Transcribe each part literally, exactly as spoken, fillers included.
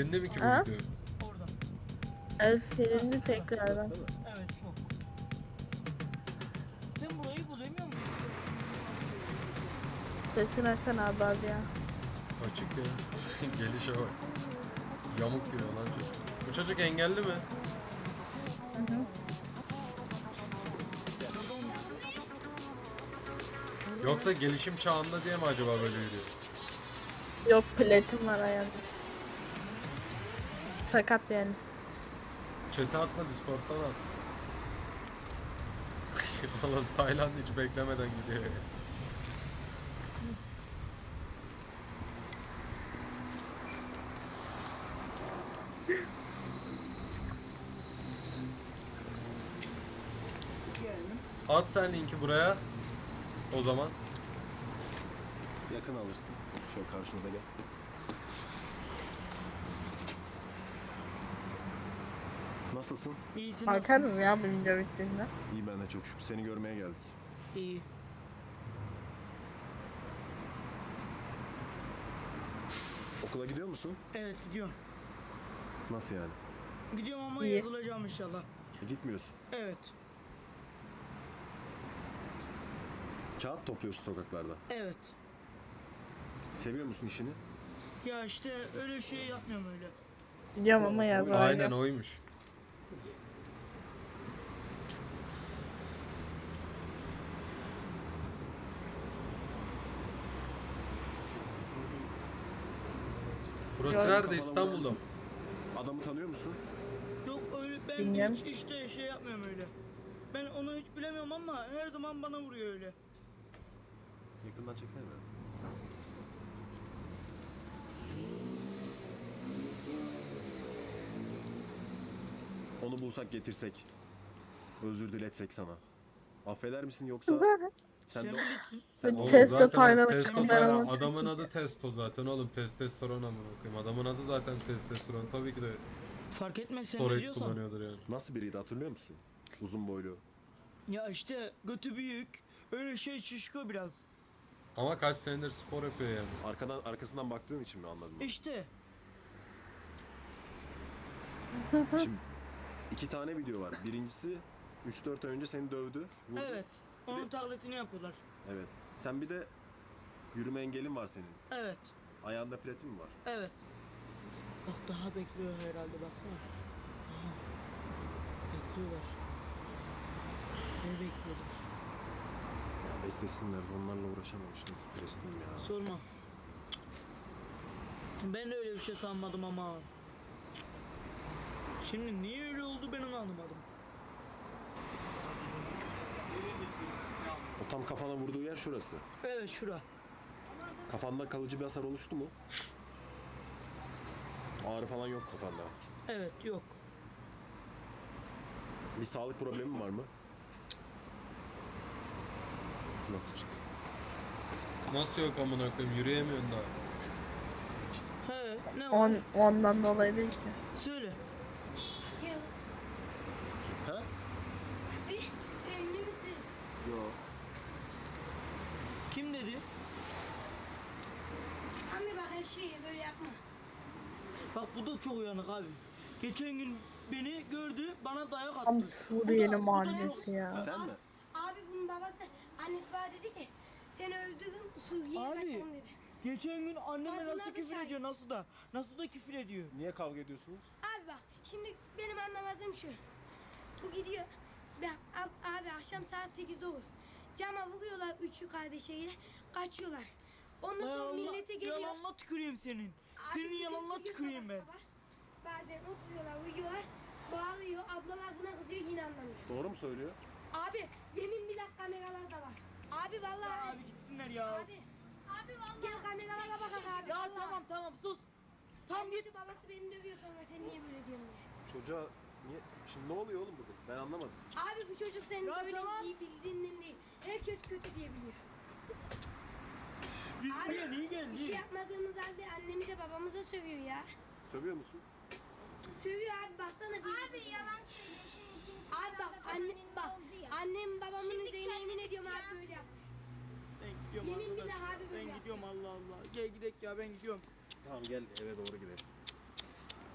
Silindi mi ki bu Ha? video? Orada. Evet, silindi tekrardan. Evet çok. Sen burayı bulamıyor musun? Sesini açsana abi abi ya. Açık ya. Gelişe bak. Yamuk giriyor lan çocuk. Bu çocuk engelli mi? Hı hı. Yoksa gelişim çağında diye mi acaba böyle yürüyor? Yok, platin var ayağında. Sakat yani. Chat'e atma, Discord'dan at. Oğlum Tayland hiç beklemeden gidiyor ya. Geldim. At sen linki buraya. O zaman. Yakın alırsın. Şöyle karşımıza gel. Nasılsın? İyisin Bakarım ya bu video bittiğinde. İyi, ben de çok şükür. Seni görmeye geldik. İyi. Okula gidiyor musun? Evet gidiyorum. Nasıl yani? Gidiyorum ama İyi. E, yazılacağım inşallah. gitmiyorsun. Evet. Kağıt topluyorsun sokaklarda. Evet. Seviyor musun işini? Ya işte öyle şey yapmıyorum öyle. Biliyorum ama yazar. Aynen oymuş. Burası Yok. nerede? İstanbul'da mı? Adamı tanıyor musun? Yok öyle ben Bilmiyorum hiç işte şey yapmıyorum öyle. Ben onu hiç bilemiyorum ama her zaman bana vuruyor öyle. Yakından çeksene biraz. Onu bulsak getirsek. Özür diletsek sana. Affeder misin yoksa sen Sen de bilirsin. sen Oğlum, de Testo zaten Tayland'ı testo ben Tayland. onu Adamın çekeyim. adı Testo zaten oğlum. Testosteron amına koyayım. Adamın adı zaten testosteron. Tabii ki de Fark etmez sen steroid biliyorsan. kullanıyordur yani. nasıl biriydi hatırlıyor musun? Uzun boylu. Ya işte götü büyük. Öyle şey şişko biraz. Ama kaç senedir spor yapıyor yani. Arkadan arkasından baktığın için mi anladın? İşte. Şimdi iki tane video var. Birincisi üç dört ay önce seni dövdü. Vurdu. Evet. Onun taklitini yapıyorlar. Evet. Sen bir de yürüme engelin var senin. Evet. Ayağında platin mi var? Evet. Bak daha bekliyor herhalde baksana. Aha. Bekliyorlar. Ne bekliyorlar? Ya beklesinler. Onlarla uğraşamam şimdi. Stresliyim ya. Sorma. Ben de öyle bir şey sanmadım ama. Şimdi niye öyle oldu ben onu anlamadım. O tam kafana vurduğu yer şurası. Evet şura. Kafanda kalıcı bir hasar oluştu mu? Ağrı falan yok kafanda. Evet yok. Bir sağlık problemi var mı? Nasıl çık? Nasıl yok amına koyayım? Yürüyemiyorsun daha. He ne var? On, ondan dolayı değil ki. Söyle. Yağız, Ha? bir sevindi misin? Yok. Kim dedi? Abi bak her şeyi böyle yapma. Bak bu da çok uyanık abi. Geçen gün beni gördü bana dayak attı. Tam Bu da- Suriyeli bu da mahallesi çok- ya. Sen mi? Abi bunun babası, annesi bana dedi ki seni öldürdüm, Suriye'ye Abi. kaçalım dedi. Geçen gün anneme Kadınlar nasıl da küfür şahit. ediyor nasıl da nasıl da küfür ediyor. Niye kavga ediyorsunuz? Abi bak şimdi benim anlamadığım şu. Bu gidiyor. Ben, ab- abi akşam saat sekiz dokuz. Cama vuruyorlar üçü kardeşiyle kaçıyorlar. Ondan Ay sonra Allah, millete geliyor. yalanla tüküreyim senin. Abi Senin bir yalanla oturuyor tüküreyim sabah ben. sabah. Bazen oturuyorlar, uyuyorlar. Bağırıyor, ablalar buna kızıyor yine anlamıyor. Doğru mu söylüyor? Abi yemin billah kameralar da var. Abi vallahi. Ya abi gitsinler ya. Abi. Abi vallahi. Gel kameralara bakak abi. Ya vallahi. tamam tamam sus. Tam git. Annesi babası beni dövüyor sonra sen niye böyle diyorsun diye. Çocuğa niye? Şimdi ne oluyor oğlum burada? Ben anlamadım. Abi bu çocuk senin Ya böyle tamam. iyi bildiğinden değil. Herkes kötü diye biliyor. Biz Abi, buraya niye Bir şey geldik? yapmadığımız halde annemize babamıza sövüyor ya. Sövüyor musun? Sövüyor abi baksana bir. Abi yalan söylüyor şimdi kimse Abi bak anne bak annem babamın Şimdi üzerine yemin kendiniz ediyorum ya. abi böyle yap. Ben gidiyorum Yemin arkadaşlar. billah abi böyle Ben yaptı. gidiyorum Allah Allah. Gel gidelim ya ben gidiyorum. Tamam gel eve doğru gidelim.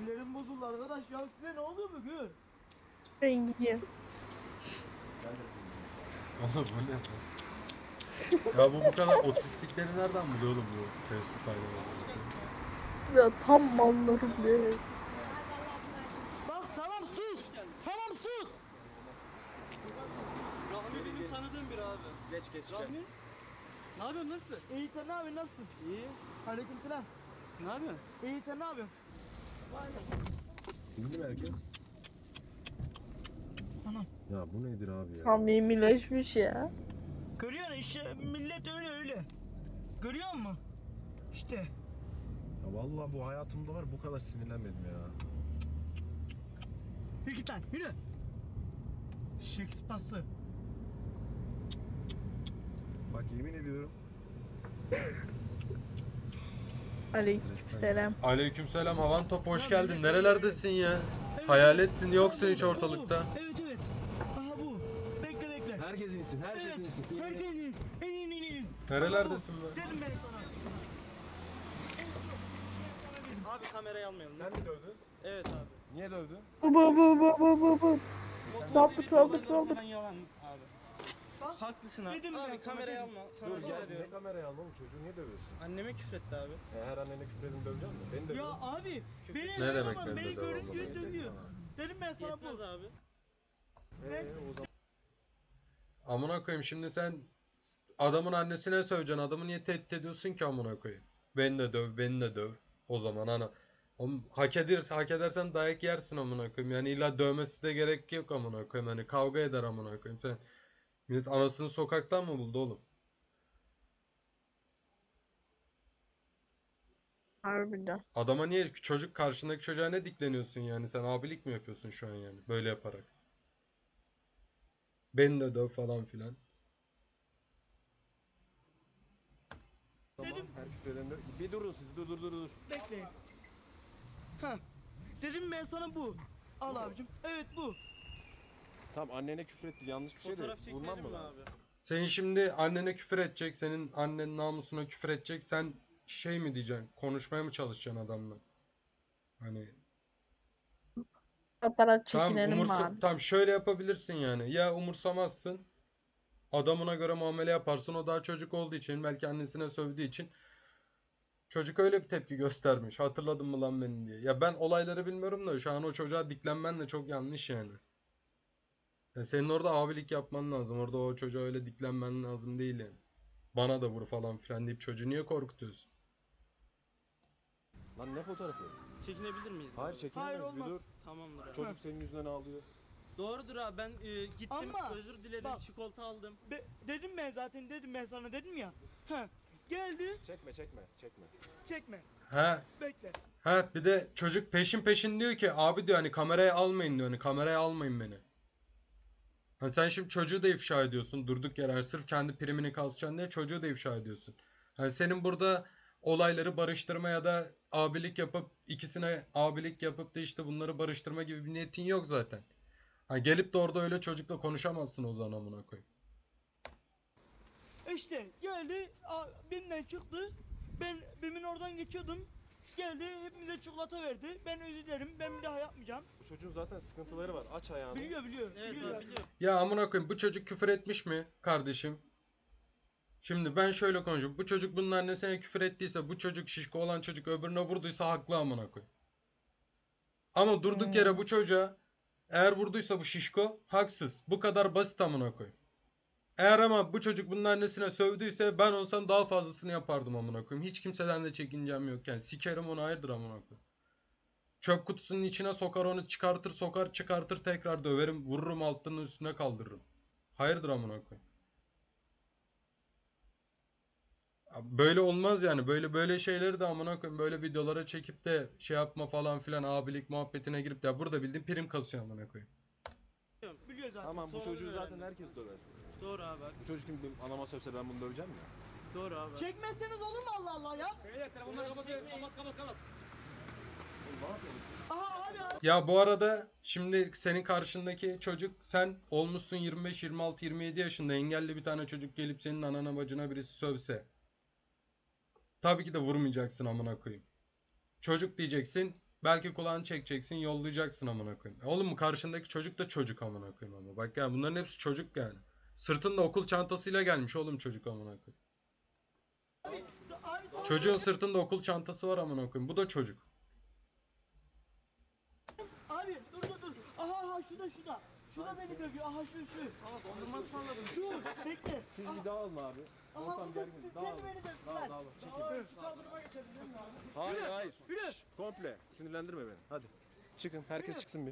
Sinirlerim bozuldu arkadaş ya, size ne oluyor bugün? Ben gidiyorum. Ben de senin. Oğlum bu ne? Ya bu bu kadar otistikleri nereden buluyor oğlum bu Mesut Aydoğan? Ya tam mallarım be. Bak tamam sus. Tamam sus. Rahmi benim tanıdığım bir abi. Geç geç. Rahmi? Ne yapıyorsun, nasılsın? İyi, sen ne yapıyorsun, nasılsın? İyi. Aleykümselam. Ne yapıyorsun? İyi, sen ne yapıyorsun? Bindi mi herkes? Anam. Ya bu nedir abi ya? Samimileşmiş ya. Görüyorsun işte, millet öyle öyle. Görüyor musun? İşte. Ya vallahi bu hayatımda var bu kadar sinirlenmedim ya. Yürü git lan, yürü. Shakespeare'sı. Bak yemin ediyorum. Aleykümselam. Aleykümselam Havan Top, hoş geldin. Nerelerdesin ya? Hayaletsin, yoksun hiç ortalıkta. Evet evet. Aha bu. Bekle bekle. Herkes insin, herkes Evet. insin. Herkes in. İn in in in. Nerelerdesin be? Dedim ben sana. Abi kamerayı almayalım. Sen mi dövdün? Evet abi. Niye dövdün? Bu bu bu bu bu bu bu. Saldır saldır saldır. Ben yalan abi. Bak. Haklısın abi. Dedim ben Abi sana, kamerayı dedim. alma. Sana Dur rica gel, ne ediyorum. kamerayı alma oğlum, çocuğu niye dövüyorsun? Anneme küfretti abi. E, her annene küfür edin dövecek misin? Beni Ya dövüyor. abi. Beni Ne demek ama ben beni de görünce dövüyorum? dövüyor. Dedim ben sana Yetmez bu. abi. Eee o zaman. Amına koyayım, şimdi sen adamın annesine söveceksin. Adamı niye tehdit ediyorsun ki amına koyayım? Beni de döv, beni de döv. O zaman ana. Oğlum, hak edersen, hak edersen dayak yersin amına koyayım. Yani illa dövmesi de gerek yok amına koyayım. Hani kavga eder amına koyayım. Sen millet anasını sokaktan mı buldu oğlum? Harbiden. Adama niye, çocuk karşındaki çocuğa ne dikleniyorsun yani? Sen abilik mi yapıyorsun şu an yani böyle yaparak? Beni de döv falan filan. Tamam, her küfür edin döv. Bir durun siz, dur dur dur dur. Bekleyin. Ha. Dedim ben sana bu. Al abicim. Evet bu. Tamam annene küfür etti, yanlış bir şey de Fotoğraf vurmam çekelim mı mi lazım? abi? Senin şimdi annene küfür edecek, senin annen namusuna küfür edecek. Sen şey mi diyeceksin? Konuşmaya mı çalışacaksın adamla? Hani Fotoğraf tam çekinelim mi umursa abi? tam şöyle yapabilirsin yani. Ya umursamazsın. Adamına göre muamele yaparsın. O daha çocuk olduğu için, belki annesine sövdüğü için çocuk öyle bir tepki göstermiş. Hatırladın mı lan beni diye. Ya ben olayları bilmiyorum da şu an o çocuğa diklenmen de çok yanlış yani. Ya senin orada abilik yapman lazım. Orada o çocuğa öyle diklenmen lazım değil yani. Bana da vur falan filan deyip çocuğu niye korkutuyorsun? Lan ne fotoğrafı? Çekinebilir miyiz? Hayır abi? çekinemez, Hayır, bir olmaz. dur. Tamamdır abi. Çocuk senin yüzünden ağlıyor. Doğrudur abi, ben e, gittim, Ama özür diledim, bak- çikolata aldım. Be- dedim ben zaten, dedim ben sana, dedim ya. Ha. Geldi. Çekme çekme çekme. Çekme. He. Bekle. Ha bir de çocuk peşin peşin diyor ki abi diyor hani kameraya almayın diyor, hani kameraya almayın beni. Hani sen şimdi çocuğu da ifşa ediyorsun durduk yere, hani sırf kendi primini kasacaksın diye çocuğu da ifşa ediyorsun. Hani senin burada olayları barıştırma ya da abilik yapıp ikisine abilik yapıp da işte bunları barıştırma gibi bir niyetin yok zaten. Ha gelip de orada öyle çocukla konuşamazsın o zaman amına koyayım. İşte geldi. a- Bimden çıktı. Ben bimin oradan geçiyordum. Geldi, hepimize çikolata verdi. Ben özür dilerim. Ben bir daha yapmayacağım. Bu çocuğun zaten sıkıntıları var. Aç ayağını. Biliyor biliyor. Evet biliyor. abi biliyorum. Ya amına koyayım, bu çocuk küfür etmiş mi kardeşim? Şimdi ben şöyle konuşayım. Bu çocuk bunun annesine küfür ettiyse, bu çocuk şişko olan çocuk öbürüne vurduysa haklı amına koyayım. Ama durduk yere bu çocuğa eğer vurduysa bu şişko haksız. Bu kadar basit amına koyayım. Eğer ama bu çocuk bunun annesine sövdüyse ben olsam daha fazlasını yapardım amına koyayım. Hiç kimseden de çekincem yok yani. Sikerim onu, hayırdır amına koyayım. Çöp kutusunun içine sokar onu, çıkartır sokar çıkartır tekrar döverim, vururum altının üstüne kaldırırım. Hayırdır amına koyayım. Böyle olmaz yani. Böyle böyle şeyleri de amına koyayım. Böyle videolara çekip de şey yapma falan filan, abilik muhabbetine girip de burada bildiğin prim kasıyor amına koyayım. Biliyor zaten. Tamam bu Sonra çocuğu öğrendim. zaten herkes döver. Doğru abi. Bu çocuk kim benim anama sövse ben bunu döveceğim ya. Doğru abi. Çekmezseniz olur mu Allah Allah ya? Beyler telefonları kapatın. Kapat kapat kapat. Oğlum ne yapıyorsun siz? Aha abi abi. Ya bu arada şimdi senin karşındaki çocuk, sen olmuşsun yirmi beş, yirmi altı, yirmi yedi yaşında, engelli bir tane çocuk gelip senin anana bacına birisi sövse. Tabii ki de vurmayacaksın amına koyayım. Çocuk diyeceksin. Belki kulağını çekeceksin, yollayacaksın amına koyayım. E Oğlum karşındaki çocuk da çocuk amına koyayım ama. Bak ya bunların hepsi çocuk yani. Sırtında okul çantasıyla gelmiş oğlum çocuk amına koyayım. Abi sana Çocuğun sırtında okul çantası var amına koyayım. Bu da çocuk. Abi dur dur dur. Aha aha şurada şurada. Şurada beni dövüyor. Aha şu şu. Ama dondurma ısmarladım. Dur bekle. Siz Aha, bir dağılın abi. aha Ortam burada gergin. siz Dağılın. sen beni dövdüler. Dağıl, dağıl. Çekil. Aa, şu kaldırıma geçebilir miyim abi? Hayır hayır. Yürü. Şşş, komple. Sinirlendirme beni. Hadi. Çıkın. Herkes Yürü. çıksın bir.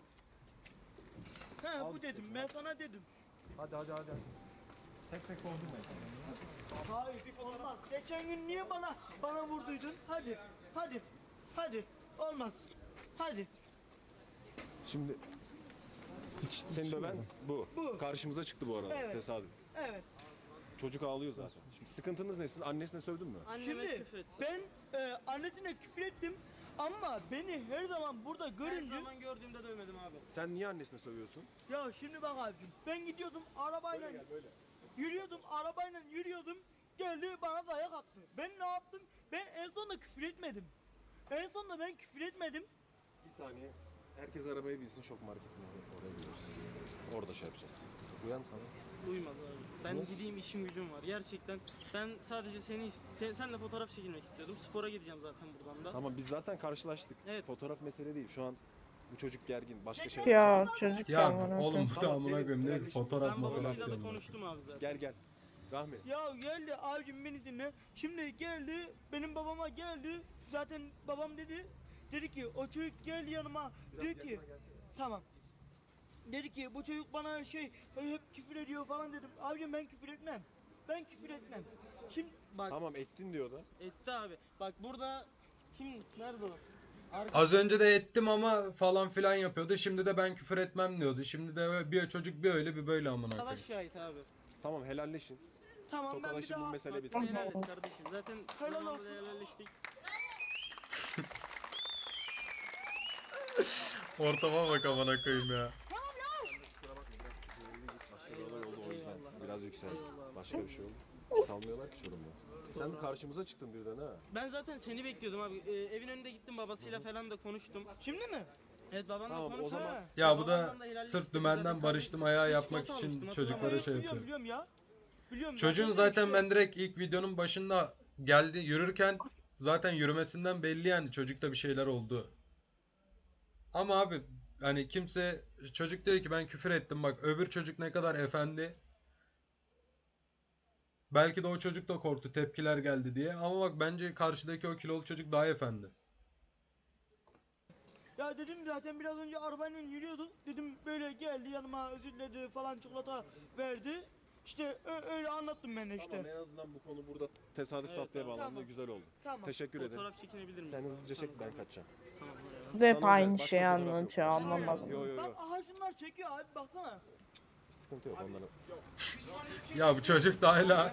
He bu dedim ben sana dedim. Hadi hadi hadi. Tek tek doldurmayın. Hayır olmaz. Geçen gün niye bana bana vurduydun? Hadi hadi hadi olmaz. Hadi. Şimdi seni döven bu. Bu. Karşımıza çıktı bu arada. Evet. Tesadüf. Evet. Çocuk ağlıyor zaten. Şimdi sıkıntınız ne? Siz annesine sövdün mü? Anneme Şimdi küfür etti. ben e, annesine küfür ettim ama beni her zaman burada Her görünce zaman gördüğümde dövmedim abi. Sen niye annesine sövüyorsun? ya şimdi bak abicim ben gidiyordum arabayla böyle. yürüyordum arabayla yürüyordum geldi bana dayak attı. Ben ne yaptım? Ben en sonunda küfür etmedim. En sonunda ben küfür etmedim. Bir saniye. Herkes arabayı bilsin, şok marketine oraya gidiyoruz. Orada şey yapacağız. Uyan sana. Duymaz abi. Ben Ne? gideyim işim gücüm var. Gerçekten ben sadece seni sen, senle fotoğraf çekilmek istiyordum. Spora gideceğim zaten buradan da. Tamam biz zaten karşılaştık. Evet. Fotoğraf mesele değil. Şu an bu çocuk gergin. Başka şey. Ya çocuk Ya amına oğlum koyayım. bu da Tamam, amına gelin, koyayım ne gelin. fotoğraf Ben fotoğraf babasıyla da diyorum. konuştum abi zaten. Gel gel. Rahmi. Ya geldi abicim beni dinle. Şimdi geldi benim babama geldi. Zaten babam dedi. Dedi ki o çocuk gel yanıma. Dedi ki tamam. Dedi ki bu çocuk bana şey hep küfür ediyor falan dedim. Abicim ben küfür etmem. Ben küfür etmem. Şimdi Bak Tamam ettin diyor da. etti abi. Bak burada kim nerede o? Arka- Az önce de ettim ama falan filan yapıyordu. Şimdi de ben küfür etmem diyordu. Şimdi de bir çocuk bir öyle bir böyle amına Arkadaş koyayım. şahit abi. Tamam helalleşin. tamam ben bir Tokalaşın bu daha mesele Bak bitsin. sen helal et kardeşim. Zaten Helal zamanında olsun. helalleştik. Ortama bak amına koyayım ya. Başka bir olay oldu o yüzden. Eyvallah. Biraz yükseldi. Eyvallah. Başka bir şey oldu. Salmıyorlar ki Çorum'da. Sen de karşımıza çıktın birden ha. Ben zaten seni bekliyordum abi. Ee, evin önünde gittim babasıyla falan da konuştum. Şimdi mi? Evet babanla Tamam, o konuştum. zaman- Ha. Ya bu da Babamdan da helallik sırf istedim. dümenden Zaten barıştım kardeşim ayağı süt yapmak çikolata için almıştım, çocuklara hatırlamıyorum. şey biliyorum, yapıyor. biliyorum ya. Biliyorum. Çocuğun dedim zaten işte. ben direkt ilk videonun başında geldi yürürken zaten yürümesinden belli yani çocukta bir şeyler oldu. Ama abi hani kimse çocuk diyor ki ben küfür ettim bak öbür çocuk ne kadar efendi. Belki de o çocuk da korktu tepkiler geldi diye ama bak bence karşıdaki o kilolu çocuk daha efendi. Ya dedim zaten biraz önce arabayla yürüyorduk. Dedim böyle geldi yanıma özür diledi falan çikolata verdi. İşte ö- öyle anlattım ben de işte. Tamam en azından bu konu burada tesadüf Evet, tatlıya tamam. bağlandı. Tamam. Güzel oldu. Tamam. Teşekkür ederim. Fotoğraf çekinebilir misin? Sen hızlıca çek ben kaçacağım. Tamam. eyvallah. Bu da hep Sana özel, aynı başka şeyi fotoğraf yok. anlatıyor anlamadım. Yo yo yo. Bak aha şunlar çekiyor abi baksana. Sıkıntı yok onların. Ya bu çocuk da hala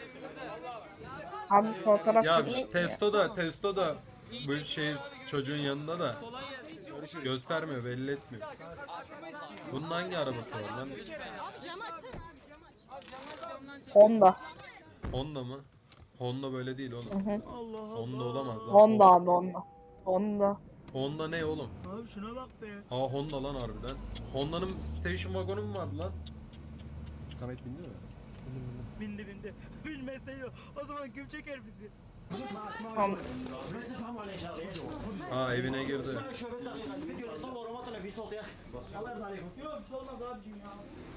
Abi fotoğraf ya çekmek mi? testo da testo da bu şey çocuğun yanında da Kolay gelsin. göstermiyor belli etmiyor. Bunun hangi arabası var lan? Honda. Honda mı? Honda böyle değil oğlum. Hı hı. Allah Allah. Honda olamaz lan. Honda abi Honda. Honda. Honda ne oğlum? Abi şuna bak be. Aa Honda lan harbiden. Honda'nın station wagon'u mu vardı lan? Samet bindi mi? Bindi bindi. Bilmeseydi o zaman kim çeker bizi? Tamam. Aa evine girdi. Yok bir şey olmaz abicim ya.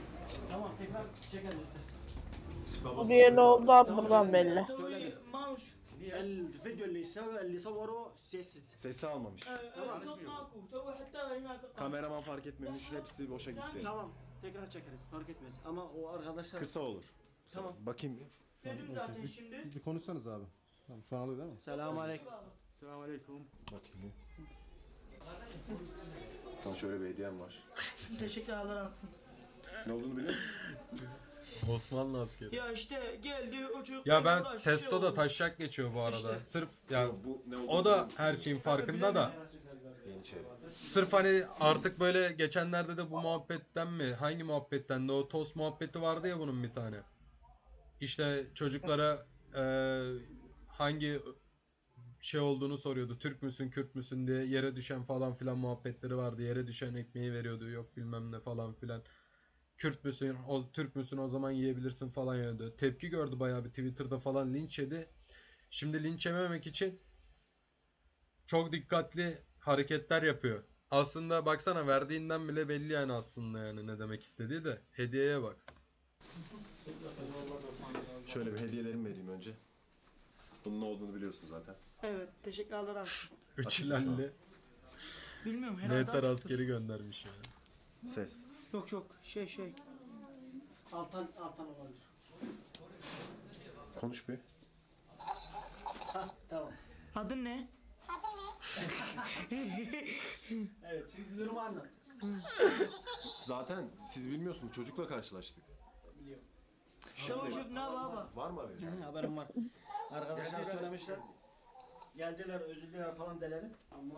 Buraya oldu abi buradan belli. Tabii Mamuş. الفيديو اللي يسوي اللي صوره سيسز Sesi almamış. Esot maku. Tabii hatta هناك. Kameraman fark etmemiş. Hepsi boşa gitti. tamam tekrar çekeriz fark etmez ama o arkadaşlar Kısa olur. Tamam. Bakayım bir. Dedim zaten şimdi. Bir konuşsanız abi. Tamam şu an alıyor değil mi? selamun aleyküm. Selamünaleyküm. Bakayım bir. Sana şöyle bir hediyem var. Teşekkürler olsun. Ne olduğunu biliyor musun? Osmanlı askeri. Ya işte geldi o çocuk. Ya ben uğraş, testo şey da oldu. taşak geçiyor bu arada. İşte. Sırf ya Bu ne olduğunu o biliyor da musun? her şeyin farkında da. Yeniçeri. Sırf hani artık böyle geçenlerde de bu muhabbetten mi? Hangi muhabbetten de o tost muhabbeti vardı ya bunun bir tane. İşte çocuklara eee, hangi şey olduğunu soruyordu. Türk müsün, Kürt müsün diye yere düşen falan filan muhabbetleri vardı. Yere düşen ekmeği veriyordu. Yok bilmem ne falan filan. Kürt müsün, o Türk müsün o zaman yiyebilirsin falan yiyordu. Tepki gördü bayağı bir Twitter'da falan linç yedi. Şimdi linç yememek için çok dikkatli hareketler yapıyor. Aslında baksana verdiğinden bile belli yani aslında yani ne demek istediği de. Hediyeye bak. Şöyle bir hediyelerimi vereyim önce. Bunun ne olduğunu biliyorsun zaten. Evet, teşekkürler abi. Üç Açık mı şu ilerli Bilmiyorum herhalde Neter açıktır. askeri göndermiş yani. Ses. Yok yok, şey şey. Altan, altan olabilir. Konuş bir. Ha tamam. Adın ne? Evet şimdi durumu anlat. Zaten siz bilmiyorsunuz, çocukla karşılaştık. Biliyorum. Tamam şef, ne baba? Var mı haberi? Hı, haberim var. Arkadaşlar söylemişler. Geldiler özür diler falan deleri.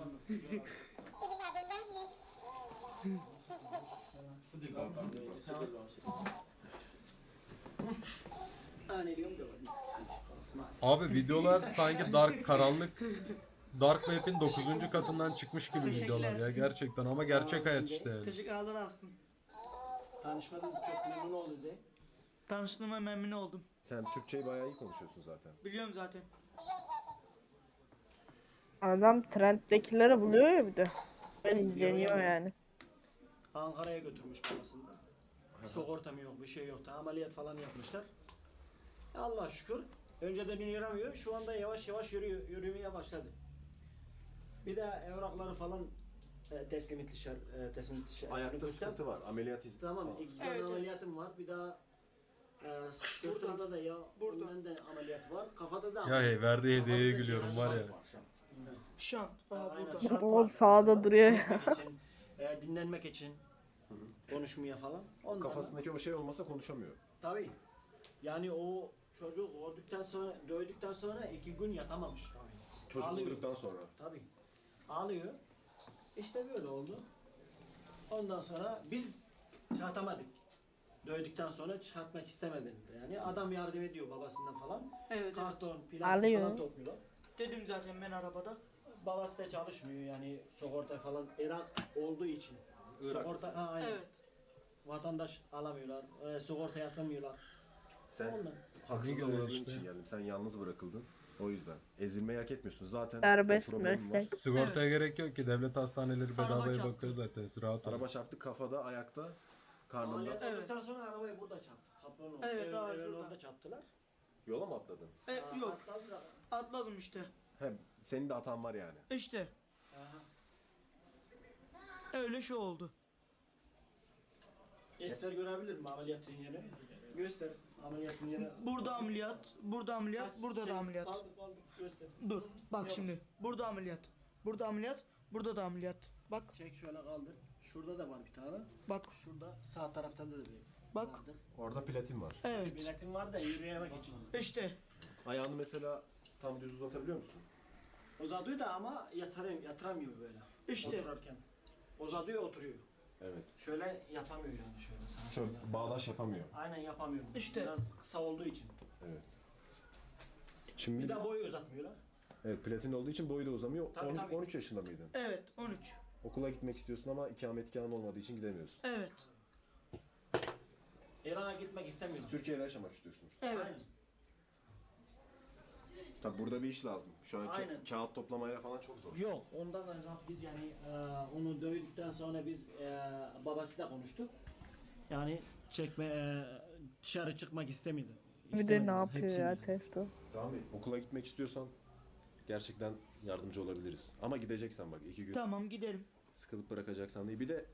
Hani diyorum da Abi videolar sanki dark karanlık Dark Web'in dokuzuncu katından çıkmış gibi videolar ya gerçekten ama gerçek hayat işte yani. Teşekkürler olsun. tanışmadım çok memnun oldu de. Tanıştığıma memnun oldum. Sen Türkçeyi bayağı iyi konuşuyorsun zaten. Biliyorum zaten. Adam trenddekileri buluyor ya bir de. Ben izleniyor yani. Ankara'ya götürmüş babasını. Sigorta mı yok bir şey yok da ameliyat falan yapmışlar. Allah şükür. Önceden yürüyemiyor. Şu anda yavaş yavaş yürüyor, yürümeye başladı. Bir de evrakları falan e, teslim etmişler. E, teslim etmişler. Ayakta Nüfusten. sıkıntı var. Ameliyat izni. Tamam. İki tane Evet, evet. ameliyatım var. Bir daha e, sırtımda da ya Burada. bundan da ameliyat var. Kafada da Ya ameliyat. hey verdiği Kafada hediyeye da gülüyorum cihaz var ya. Şant. Aa, Aynen, burada. şart O var. sağda duruyor ya. Dinlenmek için, e, dinlenmek için konuşmaya falan. Ondan Kafasındaki o şey olmasa konuşamıyor. Tabii. Yani o çocuk öldükten sonra, dövdükten sonra iki gün yatamamış. Çocuk Ağlıyor. öldükten sonra. Tabii. Ağlıyor. İşte böyle oldu. Ondan sonra biz çıkartamadık. Dövdükten sonra çıkartmak istemedim. Yani adam yardım ediyor babasından falan. Evet, evet. Karton, plastik Ağlıyor. falan topluyorlar. Dedim zaten ben arabada. Babası da çalışmıyor yani sigorta falan Irak olduğu için. Irak Sigorta, mısınız? ha, aynen. Evet. Vatandaş alamıyorlar. E, sigorta yatamıyorlar. Sen Ondan. haksız güzel uğradığın işte. için geldim. Sen yalnız bırakıldın. O yüzden. Ezilmeyi hak etmiyorsun. Zaten Serbest o problemin var. meslek. Sigortaya gerek yok ki devlet hastaneleri Araba bedavaya çarptı. bakıyor zaten siz rahat olun. Araba çarptı kafada, ayakta, karnında. Ameliyat Evet. olduktan sonra arabayı burada çarptı. Kapının orada. Evet, Ev- daha evin şurada. orada çarptılar. Yola mı atladın? E, Aa, yok. atladılar. Atladım işte. He, senin de hatan var yani. İşte. Aha. Öyle şey oldu. Göster görebilir mi ameliyatın yeri? Göster ameliyatın yeri. Burada ameliyat, burada ameliyat, burada da ameliyat. Kaldır kaldır göster. Dur. Bak Yok. şimdi. Burada ameliyat. Burada ameliyat, burada da ameliyat. Bak, Çek şöyle kaldır. Şurada da var bir tane. bak, Şurada sağ tarafta da bir bak. vardır. Orada platin var. Evet. Biletim var da yürüyemek için. İşte. Ayağını mesela tam düz uzatabiliyor musun? Uzatıyor da ama yatarım, yatıramıyor böyle. İşte. Otururken. Uzatıyor oturuyor. Evet. Şöyle yapamıyor yani şöyle sana. Şöyle şöyle. bağdaş yapamıyor. Aynen yapamıyor. İşte. Biraz kısa olduğu için. Evet. Şimdi Bir de boyu uzatmıyorlar. evet, platin olduğu için boyu da uzamıyor. Tabii, on- tabii. on üç yaşında mıydın? Evet, on üç. Okula gitmek istiyorsun ama ikametgahın olmadığı için gidemiyorsun. Evet. İran'a gitmek istemiyor. Siz Türkiye'de yaşamak istiyorsunuz. Evet. Aynen. Tabi burada bir iş lazım. Şu an ka- Aynen. kağıt toplamayla falan çok zor. Yok ondan da biz yani e, onu dövdükten sonra biz e, babasıyla konuştuk. Yani çekme e, dışarı çıkmak istemedi. Bir de İstemediler, ne yapıyor hepsini ya yani. Testo? Rami, okula gitmek istiyorsan gerçekten yardımcı olabiliriz. Ama gideceksen bak iki gün Tamam, gidelim. sıkılıp bırakacaksan değil. Bir de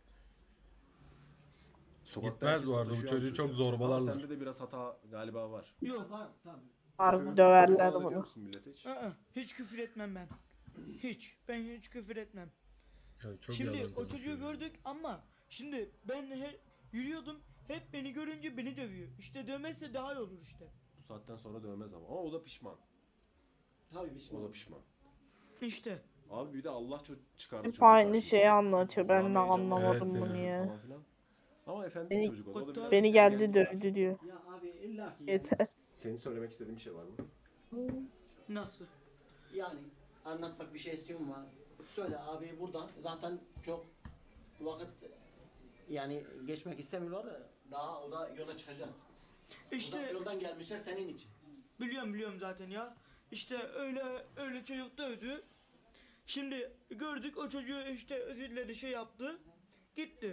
sokakta Gitmez herkes bu arada, bu sataşıyor çocuğu abi çok çocuğa. zorbalarlar. Ama sende de biraz hata galiba var. Yok. Var, tamam. Harbi döverler Küfür ediyor bunu. musun millete hiç? Aa, hiç küfür etmem ben. Hiç. Ben hiç küfür etmem. Ya çok Şimdi yalan o çocuğu konuşuyor ya. gördük ama şimdi ben he, yürüyordum. Hep beni görünce beni dövüyor. İşte dövmezse daha iyi olur işte. Bu saatten sonra dövmez ama. Ama o da pişman. Tabii bir şey. O da pişman. İşte. Abi bir de Allah çok çıkardı Hep çocuğu aynı karşımıza. şeyi anlatıyor. Ben de Allah'ın anlamadım Evet bunu ya. ya. falan filan. Ama efendi Beni- bir çocuk o da. O da biraz Beni geldi ergenlik var. dövdü diyor. Ya abi illa ki yani, Yeter. Senin söylemek istediğin bir şey var mı? Nasıl? yani anlatmak bir şey istiyor mu? Söyle abi buradan. Zaten çok vakit yani geçmek istemiyorlar da daha o da yola çıkacak. İşte İşte yoldan gelmişler senin için. biliyorum biliyorum zaten ya. İşte öyle öyle çocuk dövdü. Şimdi gördük o çocuğu işte özür diledi şey yaptı. Gitti.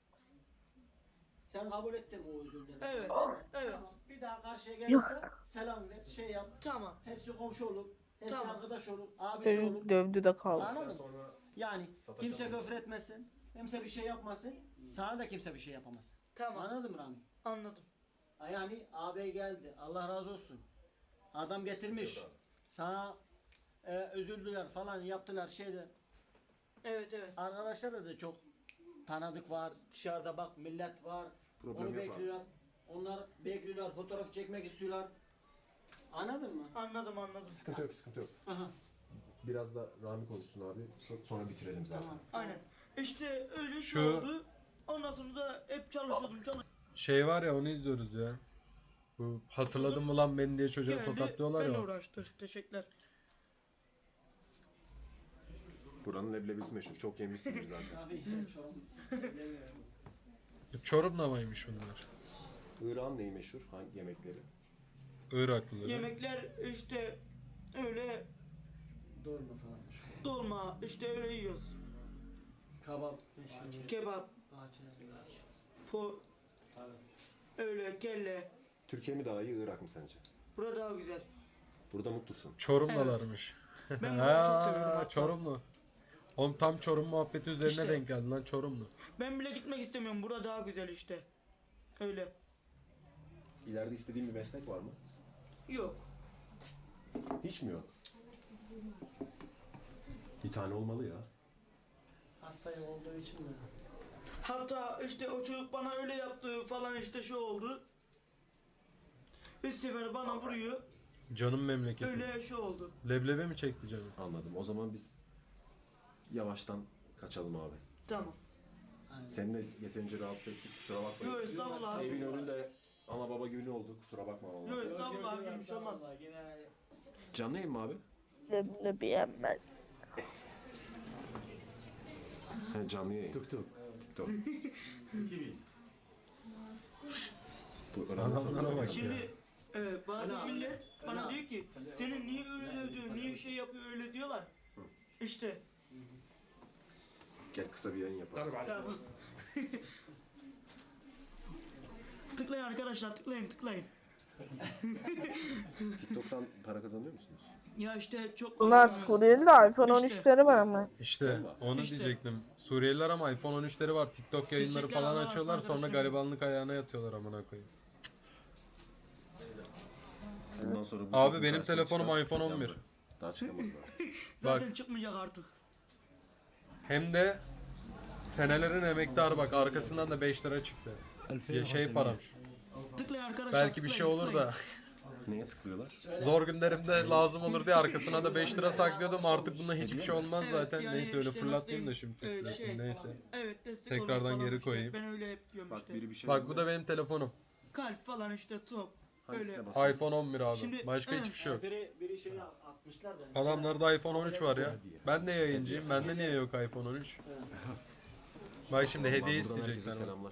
Sen kabul ettin o özürleri. Evet, evet. Tamam. Bir daha karşıya Yok. gelirse selam ver, şey yap. Tamam. Hepsi komşu olur. Hepsi Tamam. arkadaş olur. Abisi olur. Çocuk dövdü de kaldı. Anladın mı? Sonra Yani kimse Sataşalım. küfür etmesin. Kimse bir şey yapmasın. Sana da kimse bir şey yapamaz. Tamam. Anladın mı Rami? Anladım. Ha, Yani ağabey geldi. Allah razı olsun. Adam getirmiş. Sana e, özürdüler falan yaptılar şeyde. Evet evet. Arkadaşlar da çok tanıdık var. Dışarıda bak millet var. Problem Onu yok abi. bekliyorlar. Onlar bekliyorlar. Fotoğraf çekmek istiyorlar. Anladın mı? Anladım anladım. Sıkıntı yok, sıkıntı yok. Aha. Biraz da Rami konuşsun abi. so- Sonra bitirelim zaten. Tamam. Aynen. İşte öyle şey Şu- oldu. Ondan sonra da hep çalışıyordum çalışıyordum. Şey var ya onu izliyoruz ya. Bu hatırladın mı lan beni diye çocuğa Geldi, tokatlıyorlar benle ya. uğraştı. Teşekkürler. Buranın leblebisi meşhur. Çok yemişsiniz zaten. Abi şu an bilemiyorum. Çorum'da mıymış bunlar? Irak'ın neyi meşhur? Hangi yemekleri? Iraklıları. Yemekler işte öyle Doğru mu falan? dolma işte öyle yiyoruz. Kabap. meşhur. Kebap, Bahçe. po, öyle kelle. Türkiye mi daha iyi, Irak mı sence? Burada daha güzel. Burada mutlusun. Çorum'dalarmış. Ben buraları çok seviyorum Ha, hatta. Çorumlu. Oğlum tam Çorum muhabbeti üzerine İşte. denk geldi lan Çorumlu. Ben bile gitmek istemiyorum. Burada daha güzel işte. Öyle. İleride istediğin bir meslek var mı? Yok. Hiç mi yok? Bir tane olmalı ya. Hasta olduğu için mi? Hatta işte o çocuk bana öyle yaptı falan işte şu oldu. Üç sefer bana vuruyor. Canım memleketim. Öyle şey oldu. Leblebi mi çekti canım? Anladım. O zaman biz yavaştan kaçalım abi. Tamam. Seni de yeterince rahatsız ettik. Kusura bakma. Yok estağfurullah Evin abi. önünde ana baba günü oldu. Kusura bakma Yok vallahi. estağfurullah abi bir şey olmaz. Yine Canlı yayın mı abi? Leblebi yenmez. He, canlı yayın. Tuk tuk. Tuk. Bu önemli Adamlara soru. bak. Şimdi e, bazı Ana, millet bana ana. diyor ki senin niye öyle dövdü, niye şey yapıyor öyle diyorlar. İşte Gel kısa bir yayın yapalım. tamam. Tıklayın arkadaşlar tıklayın tıklayın. TikTok'tan para kazanıyor musunuz? Ya işte çok Bunlar Suriyeli de iPhone on İşte. üçleri var ama. İşte Vallahi. onu İşte. diyecektim. Suriyeliler ama iPhone on üçleri var. TikTok yayınları Teşekkürler, falan Allah açıyorlar. razı Sonra olsun. garibanlık ayağına yatıyorlar amına koyayım. Bundan sonra bu Abi çocuğun benim karşısına telefonum çıkan iPhone on bir. yandı. Daha çıkamaz daha. zaten Bak. çıkmayacak artık. Hem de senelerin emektarı bak arkasından da beş lira çıktı. Ya şey param. Tıklayın arkadaşlar. Belki bir şey tıklayın, olur tıklayın. da. Neye tıklıyorlar? Zor günlerimde lazım olur diye arkasına da beş lira saklıyordum. Artık bundan hiçbir şey olmaz Evet, zaten. yani Neyse öyle işte fırlatmayayım da nasıl şimdi diyeyim, titresin şey neyse. Evet destek Tekrardan olun falan geri işte. koyayım. Ben öyle hep diyorum Bak işte. biri bir şey Bak bu da benim telefonum. Kalp falan işte top. Hangisine Öyle. basıyorsun? iPhone on bir abi. Şimdi- Başka He. hiçbir şey yok. Biri, biri şey atmışlar da. Adamlarda iPhone on üç var ya. Ben de yayıncıyım. Bende niye yok iPhone on üç? Bak şimdi Vallahi hediye buradan herkese isteyecekler. selamlar.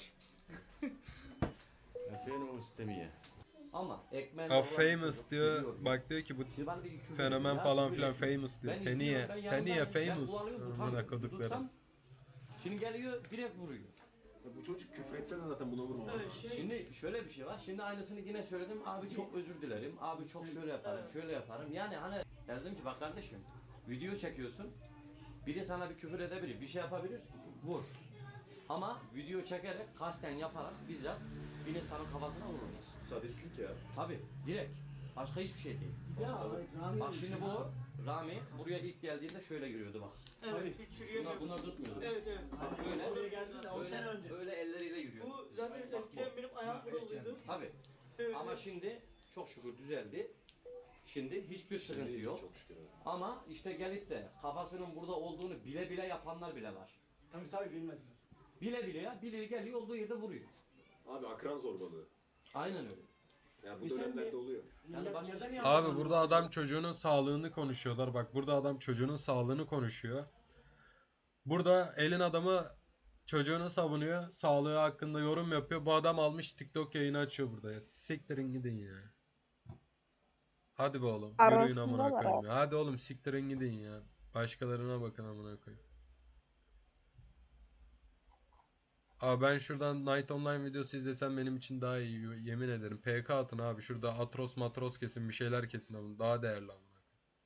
Ama ekmeğin Ha famous diyor. Bak diyor ki bu fenomen falan filan famous diyor. Teniye. Teniye famous. Amına kodukları. Şimdi geliyor direkt vuruyor. Ya bu çocuk küfür etse de zaten buna vurmaz. Evet, şey, Şimdi şöyle bir şey var. Şimdi aynısını yine söyledim. Abi çok özür dilerim. Abi çok şöyle yaparım, şöyle yaparım. Yani hani dedim ki bak kardeşim video çekiyorsun. Biri sana bir küfür edebilir, bir şey yapabilir. Vur. Ama video çekerek, kasten yaparak bizzat bir insanın kafasına vururuz. Sadistlik ya. Tabi direkt. Başka hiçbir şey değil. Ya, Rami- Bak şimdi bu Rami buraya ilk geldiğinde şöyle giriyordu bak. evet hiç Bunlar, yürüyemiyor. bunlar tutmuyordu. Evet evet. Bak böyle, Buraya geldi de on sene böyle, önce. böyle elleriyle yürüyordu. Bu zaten eskiden benim ayağım kuruluydu. Tabi. Evet. Ama şimdi çok şükür düzeldi. Şimdi hiçbir sıkıntı yok. Çok şükür. abi. Ama işte gelip de kafasının burada olduğunu bile bile yapanlar bile var. Tabii tabii bilmezler. Bile bile ya, bile geliyor olduğu yerde vuruyor. Abi akran zorbalığı. Aynen öyle. Ya bu Biz dönemlerde seninle- oluyor. Yani Millet başka neden şey- yanlış Abi anlıyor burada acaba? adam çocuğunun sağlığını konuşuyorlar. Bak burada adam çocuğunun sağlığını konuşuyor. Burada elin adamı çocuğunu savunuyor. Sağlığı hakkında yorum yapıyor. Bu adam almış TikTok yayını açıyor burada ya. Siktirin gidin ya. Hadi be oğlum. Yürüyün amına Arasındalar koyayım ya. Hadi oğlum siktirin gidin ya. Başkalarına bakın amına koyayım. Abi ben şuradan Night Online videosu izlesem benim için daha iyi. Yemin ederim. P K atın abi. Şurada Atros matros kesin bir şeyler kesin ama daha değerli ama.